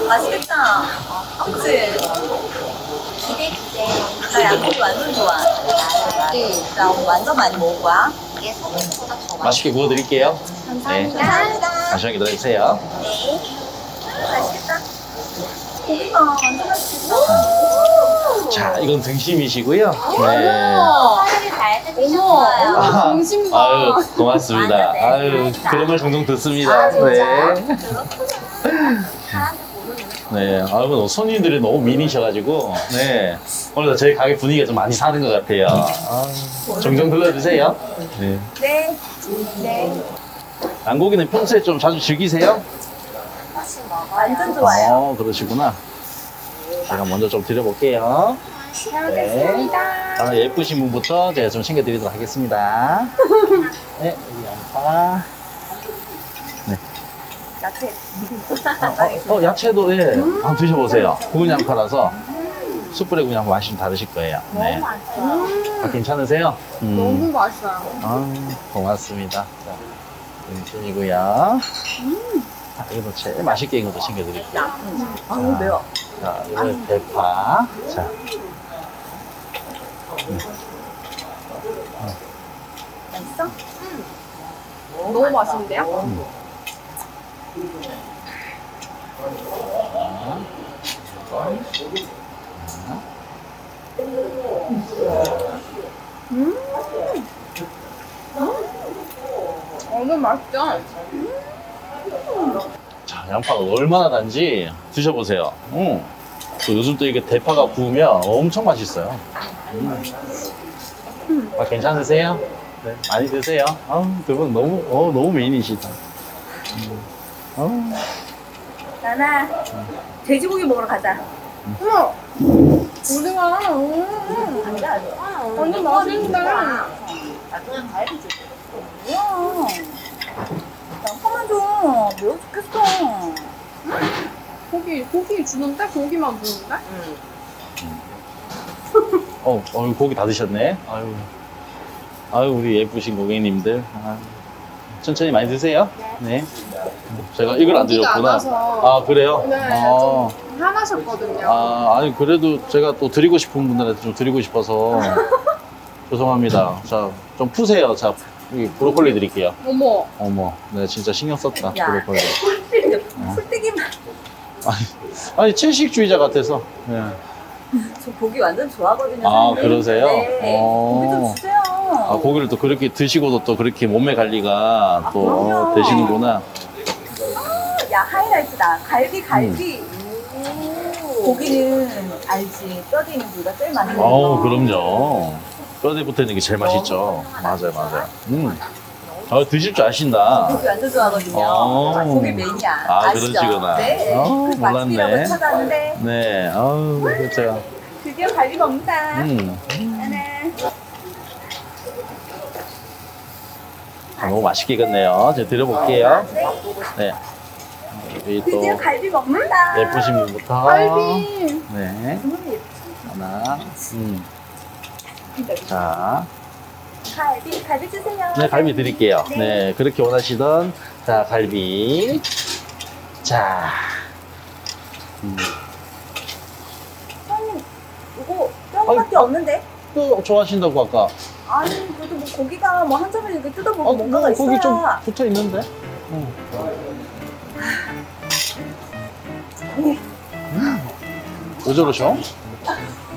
맛있겠다. 그치? 기대. 나 양고기 완전 좋아해. 나 오늘 완전 많이 먹을 거야. 이게 소금보다 더 맛있게 구워드릴게요. 감사합니다. 잠시만 기다려주세요. 맛있겠다. 고기가 완전 맛있겠다. 자, 이건 등심이시고요. 네. 사람이 잘 드셨어요. 아, 등심 봐. 아유, 고맙습니다. 아유, 그런 말 종종 듣습니다. 네. 네, 아유, 손님들이 너무 미니셔가지고, 네. 오늘 저희 가게 분위기가 좀 많이 사는 것 같아요. 종종 들러주세요. 네. 네. 네. 양고기는 평소에 좀 자주 즐기세요? 완전 좋아요. 그러시구나. 제가 먼저 좀 드려볼게요. 네. 아, 예쁘신 분부터 제가 좀 챙겨드리도록 하겠습니다. 네, 여기 양파. 야채. 야채도, 예. 한번 드셔보세요. 구운 양파라서 숯불에 구운 양파 맛이 좀 다르실 거예요. 네. 아, 괜찮으세요? 너무 맛있어요. 아, 고맙습니다. 자, 등심이고요. 자, 이것도 제일 맛있게 익은 것도 챙겨드릴게요. 아우, 매워. 자, 이거 대파. 자, 맛있어? 너무 맛있는데요? 너무 맛있죠? 자, 양파가 얼마나 단지 드셔보세요. 또 요즘 또 이게 대파가 구우면 엄청 맛있어요. 아, 괜찮으세요? 네, 많이 드세요. 두 분 너무 미인이시다. 나나, 돼지고기 먹으러 가자. 어머! 우리가 아니다. 완전 맛있는데. 나중에 과일이 줄게. 뭐야. 양파만 줘. 매워 죽겠어. 고기 주는데? 고기만 주는데? 고기 다 드셨네. 아유, 우리 예쁘신 고객님들. 천천히 많이 드세요. 네. 제가 이걸 안 고기가 드렸구나. 안 와서. 아, 그래요? 네, 좀 화나셨거든요. 아니, 그래도 제가 또 드리고 싶은 분들한테 좀 드리고 싶어서. 죄송합니다. 자, 좀 푸세요. 자, 여기 브로콜리 드릴게요. 어머. 네, 진짜 신경 썼다. 야. 브로콜리. 풀떼기만. 아니, 채식주의자 같아서. 네. 저 고기 완전 좋아하거든요. 아, 사장님. 그러세요? 네. 고기 좀 주세요. 고기를 또 그렇게 드시고도 또 그렇게 몸매 관리가 또 그럼요. 되시는구나. 야, 하이라이트다. 갈비. 고기는 알지. 뼈대 있는 부위가 제일 많이 먹어. 그럼요. 뼈대 붙어 있는 게 제일 맛있죠. 맞아요. 드실 줄 아신다. 고기 완전 좋아하거든요. 고기 메인이야. 아, 아시죠? 그러시구나. 네. 그 몰랐네. 맛집이라고 찾아왔는데 네, 그렇죠. 드디어 갈비 먹는다. 너무 맛있게 익었네요. 제가 드려볼게요. 네. 여기 또 드디어 갈비 먹는다. 예쁘신 분부터. 갈비. 네. 정말 예쁘. 하나. 자. 갈비 주세요. 네, 갈비 드릴게요. 네, 그렇게 원하시던, 자, 갈비. 자. 사장님, 이거 뼈밖에 없는데? 또 좋아하신다고 아까. 아니, 그래도 뭐 고기가 뭐 한 점을 이렇게 뜯어보고 뭔가가 있어야. 거기 좀 붙어 있는데? 왜 저러셔?